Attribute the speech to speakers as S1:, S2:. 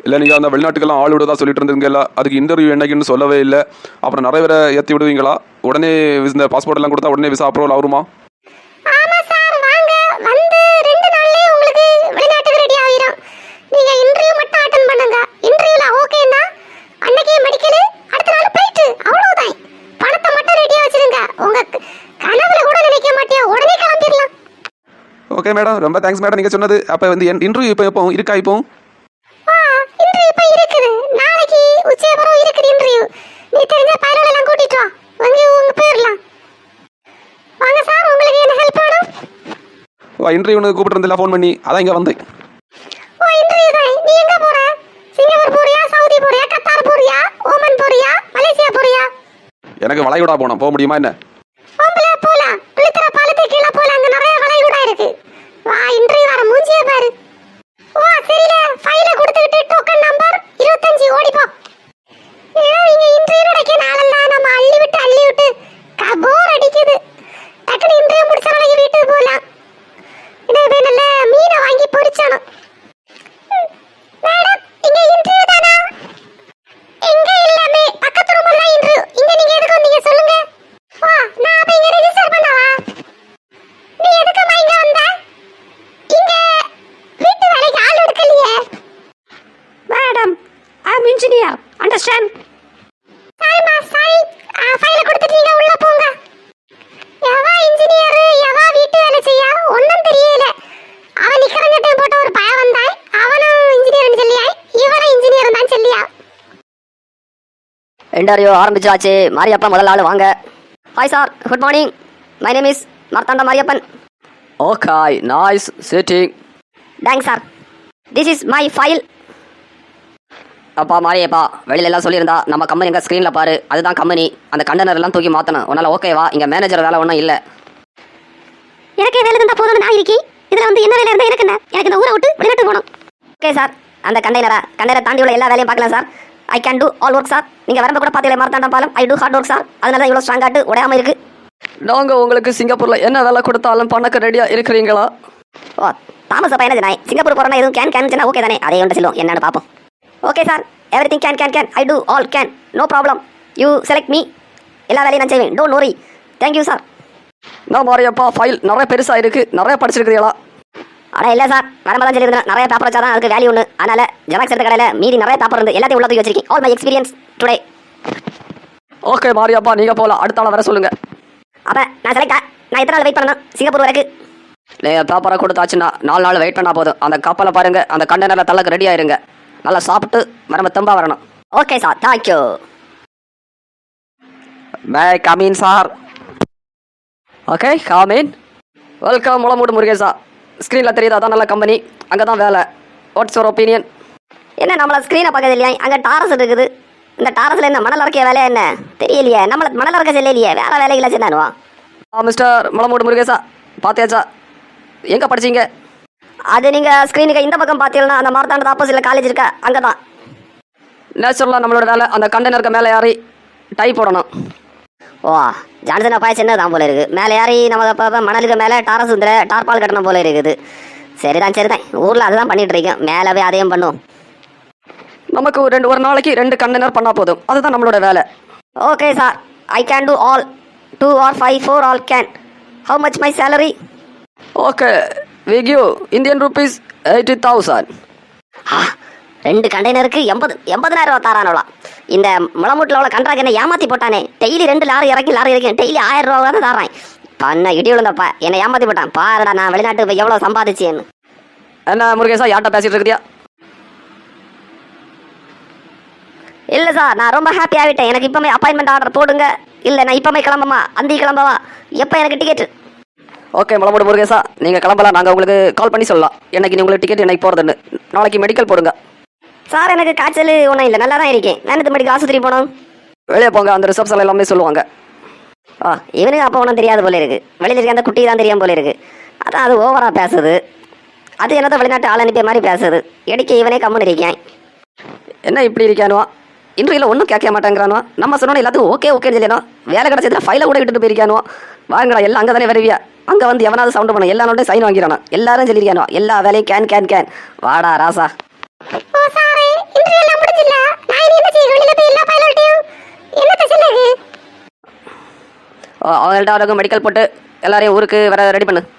S1: இல்லை நீங்கள் அந்த வெளிநாட்டுக்கெல்லாம் ஆள் விடுதா சொல்லிட்டு இருந்தீங்கல்ல, அதுக்கு இன்டர்வியூ என்னைக்குன்னு சொல்லவே இல்லை. அப்புறம் நிறைய பேரை ஏற்றி விடுவீங்களா? உடனே இந்த பாஸ்போர்ட் எல்லாம் கொடுத்தா உடனே விசா அப்ரூவல் ஆகுமா?
S2: ஆமா சார், வாங்க வந்து 2 நாள்லயே உங்களுக்கு வெளிநாட்டுக்கு ரெடி ஆயிரும். நீங்க இன்டர்வியூ மட்டும் அட்டெண்ட் பண்ணுங்க. இன்டர்வியூல ஓகேனா அன்னைக்கே மெடிக்கல், அடுத்த நாள் ஃளைட், அவ்வளவுதான். பணத்தை மட்டும் ரெடியா வச்சிருங்க. உங்க கனவுல கூட நினைக்க மாட்டியா, உடனே கிளம்பிடலாம்.
S1: ஓகே மேடம், ரொம்ப தேங்க்ஸ் மேடம் நீங்கள் சொன்னது. அப்போ வந்து இன்டர்வியூ இப்போ இருக்கா? இப்போ
S2: இன்டர்வியூ இப்ப இருக்குது. நாளைக்கு உச்சயபுரம் இருக்குது இன்டர்வியூ. நீ தெரிஞ்ச பைலட் எல்லாம் கூட்டிட்டு வா, வந்து உங்க போயிடலாம். வாங்க சார், உங்களுக்கு என்ன ஹெல்ப் வேணும்?
S1: இன்டர்வியூ கூப்பிட்டு ஃபோன் பண்ணி அதான் இங்கே வந்து.
S2: ஓ, இன்டர்வியூ தான். நீ எங்க போற? சிங்கப்பூர் போறியா, சவுதி போறியா, கத்தார் போறியா, ஓமன் போறியா, மலேசியா போறியா?
S1: எனக்கு வளைகுடா போகணும், போக முடியுமா என்ன?
S2: போலாம். குளித்தர பாலத்தை கீழே போலாம், அங்க நிறைய வளைகுடா இருக்கு. வா, இன்டர்வியூ வர மூஞ்சியே பாரு. ஓ சரில, ஃபைல கொடுத்துட்டு டோக்கன் நம்பர் 25 ஓடி போ. இங்க இன்டர்வியூ நடக்க நாளெல்லாம் நம்ம அள்ளி விட்டு போர் அடிக்குது. டக்குனு இன்டர்வியூ முடிச்ச நாளைக்கு வீட்டுக்கு போலாம். இன்னும் நல்ல மீனை வாங்கி பொரிச்சானோ. மேடம், இங்க இன்டர்வியூ தானா? எங்க எல்லாமே பக்கத்து ரூம்ல இன்டர்வியூ. இங்க நீங்க எதுக்கு வந்தீங்க சொல்லுங்க? வா, நான் அப்ப இங்க ரெஜிஸ்டர் பண்ணவா? நீ எதுக்கு இங்க வந்த? இங்க வீட்டு வேலைக்கு ஆள் எடுக்கலையே.
S3: Madam, I am engineer, understand?
S2: சாரிமா, சாரி. ஃபைல கொடுத்துட்டீங்க, உள்ள போங்க. எவா இன்ஜினியர், எவா வீட்டு வேலை செய்ய ஒண்ணும் தெரியல. அவன் நிக்கறங்கட்டே போட்ட ஒரு பய வந்தாய். அவனும் இன்ஜினியர்னு சொல்லியாய், இவனும் இன்ஜினியர் தான் சொல்லியா.
S3: இன்டர்வியூ ஆரம்பிச்சாச்சு. மாரியப்பன் முதல் ஆள், வாங்க. Hi sir, good morning. My name is Marthanda Mariyappan.
S4: Okay, nice sitting.
S3: Thanks sir. This is my file. அப்பா மாரியப்பா, வெளியில எல்லாம் சொல்லியிருந்தா நம்ம கம்பெனி எங்க ஸ்க்ரீனில் பாரு, அதுதான் கம்பெனி. அந்த கண்டெய்னர் எல்லாம் தூக்கி மாற்றணும். உன்னால் ஓகேவா? இங்கே மேனேஜர் வேலை ஒன்றும் இல்லை.
S2: எனக்கு வேலை இருந்தா போதும்னு நான் இருக்கேன். இதுல வந்து என்ன வேலை இருந்தா எனக்கு என்ன? எனக்கு இந்த ஊரை விட்டு வெளிநாட்டு போகணும்.
S3: ஓகே சார், அந்த கண்டெய்னரை தாண்டி உள்ள எல்லா வேலையும் பார்க்கலாம் sir. I can do all work sir. நீங்கள் வரம்ப கூட பார்த்தீங்களே மார்த்தாண்டம் பாலம், I do hard work sir. அதனால தான் இவ்வளோ ஸ்ட்ராங்காட்டு உடையாமல் இருக்கு.
S4: நாங்கள் உங்களுக்கு சிங்கப்பூரில் என்ன வேலை கொடுத்தாலும் பண்ணக்கு ரெடியாக இருக்கிறீங்களா?
S3: ஓ, தாமஸ் அப்பா என்ன சொன்னாய்? சிங்கப்பூர் போகிறோன்னா எதுவும் கேன் சொன்னா ஓகே தானே? அதே ஒன்று சொல்லுவோம், என்னன்னு பார்ப்போம். Okay sir, every thing can I do all can, no problem. You select me, எல்லா வேலையும் நான் செய்வேன். Don't worry. Thank you sir.
S4: நான் மாரியப்பா, ஃபைல் நிறைய பெருசாக இருக்குது, நிறைய படிச்சிருக்கிறீங்களா?
S3: ஆனால் இல்லை சார், வரம்பு தான் சொல்லியிருந்தேன். நிறைய பேப்பர் வச்சா தான் அதுக்கு வேல்யூ ஒன்று. அதனால் ஜெராக்ஸ் எடுத்த கடையில் மீதி நிறைய பேப்பர் இருந்து எல்லாத்தையும் உள்ள தூக்கி வச்சிருக்கேன். All my experience today.
S4: Okay Mariyappa, நீங்கள் போகலாம். அடுத்த ஆளை வர சொல்லுங்கள்.
S3: அப்போ நான் செலக்டா? நான் எத்தனை நாள் வெயிட் பண்ணணும் சிங்கப்பூர் வரைக்கும்?
S4: நீங்கள் பேப்பரை கொடுத்தாச்சுன்னா 4 நாள் வெயிட் பண்ணால் போதும். அந்த கப்பலை பாருங்கள், அந்த கண்டெய்னரில் தள்ளக்கு ரெடி ஆயிருங்க. நல்லா சாப்பிட்டு வரம்ப தெம்பா வரணும்.
S3: Okay sir, thank you.
S4: May come in sir. Okay, come in. Welcome Mulamoodu Murugesa. ஸ்க்ரீனில் தெரியுது, அதான் நல்ல கம்பெனி, அங்கே தான் வேலை. What's your opinion?
S3: என்ன நம்மளை ஸ்க்ரீனை பார்க்கறது இல்லையா? அங்கே டாரஸ் இருக்குது. இந்த டாரஸில் என்ன மணல் அரைக்கிய வேலையா என்ன தெரியலையே? நம்மளை மணல் அரைக்க செல்லையே, வேலை வேலைகளை சென்னானுவா.
S4: மிஸ்டர் முளமூடு முருகேசா, பார்த்தியாச்சா? எங்கே படிச்சீங்க?
S3: அது நீங்கள் ஸ்க்ரீனுக்கு இந்த பக்கம் பார்த்தீங்கன்னா அந்த மார்த்தாண்டத்து ஆப்போசிட்டில் காலேஜ் இருக்கா, அங்கே தான்.
S4: நேச்சுரலாக நம்மளோட வேலை அந்த கண்டெய்னருக்கு மேலே ஏறி டை போடணும்.
S3: ஓ, ஜான்சன் அப்பா சின்னதான் போல இருக்குது. மேலே ஏறி நம்ம அப்போ மணலுக்கு மேலே டாரஸ் டார்பால் கட்டணும் போல இருக்குது. சரிதான், ஊரில் அதுதான் பண்ணிட்டு இருக்கேன். மேலே போய் அதையும் பண்ணுவோம்.
S4: நமக்கு ஒரு நாளைக்கு 2 கண்டெய்னர் பண்ணால் போதும், அதுதான் நம்மளோட வேலை.
S3: Okay sir, I can do all 2 or 5 4 all can. How much my salary?
S4: Okay, we give Indian rupees 80,000.
S3: 2 கண்டெய்னருக்கு 80,000 ரூபா தாரானோளா? இந்த முளமூட்டில் உள்ள கண்ட்ராக்ட் என்ன ஏமாற்றி போட்டானே. டெய்லி 2 லாரி இறக்கி டெய்லி 1000 ரூபா தான் தாரான். பண்ண இடி விழுந்தப்பா என்னை ஏமாற்றி போட்டான். பாருடா நான் வெளிநாட்டுக்கு போய் எவ்வளோ சம்பாதிச்சேன்னு.
S4: என்ன முருகேசா, யார்கிட்ட பேசிட்டு இருக்கிறியா?
S3: இல்லை சார், நான் ரொம்ப ஹாப்பி ஆகிட்டேன். எனக்கு இப்போமே அப்பாயின்மெண்ட் ஆர்டர் போடுங்க. இல்லை நான் இப்போமே கிளம்பமா, அந்தி கிளம்பவா? எப்போ எனக்கு டிக்கெட்டு?
S4: ஓகே முளமூடு முருகேசா, நீங்கள் கிளம்பலாம். நாங்கள் உங்களுக்கு கால் பண்ணி சொல்லலாம் என்னைக்கு உங்களுக்கு டிக்கெட் என்னைக்கு போகிறதுன்னு. நாளைக்கு மெடிக்கல் போடுங்க.
S3: சார் எனக்கு காய்ச்சல் ஒன்றும் இல்லை, நல்லா தான் இருக்கேன். நான் இந்த மெடிக்கல் ஆஸ்பத்திரி போகணும்.
S4: வெளியே போங்க, அந்த ரிசப்ஷன் எல்லாமே சொல்லுவாங்க.
S3: இவனுக்கு அப்போ ஒன்றும் தெரியாது போல இருக்குது. வெளியில் இருக்க அந்த குட்டி தான் தெரியாமல் போல இருக்குது. அதான் அது ஓவராக பேசுது. அது என்னதான் வெளிநாட்டு ஆள் அனுப்பிய மாதிரி பேசுது. இடைக்க இவனே கம்முன்னு இருக்கேன்.
S4: என்ன இப்படி இருக்கானுவா? இன்றையில் ஒன்றும் கேட்க மாட்டேங்கிறானுவா. நம்ம சொன்னோன்னு எல்லாத்துக்கும் ஓகே ஓகேன்னு சொல்லிடணும். வேலை கிடச்சதுல ஃபைலை கூட விட்டுட்டு போயிருக்கானுவா. வாங்கடா எல்லாம் அங்கே தானே வருவியா? அங்கே வந்து எவனாவது சவுண்டு பண்ண எல்லா நோட்டையும் சைன் வாங்கிறானோ. எல்லாரும் சொல்லியிருக்கானோ எல்லா வேலையும் கேன் வாடா ராசா.
S2: ஓ சாரே, இன்டர்வியூ எல்லாம் முடிஞ்சில்ல நான் இனி என்ன செய்ய வெளியில போய் எல்லா பைலட்டையும் என்னத்த சொல்லுங்க
S4: அவங்கள்ட்ட அவருக்கு மெடிக்கல் போட்டு எல்லாரையும் ஊருக்கு வர ரெடி பண்ணு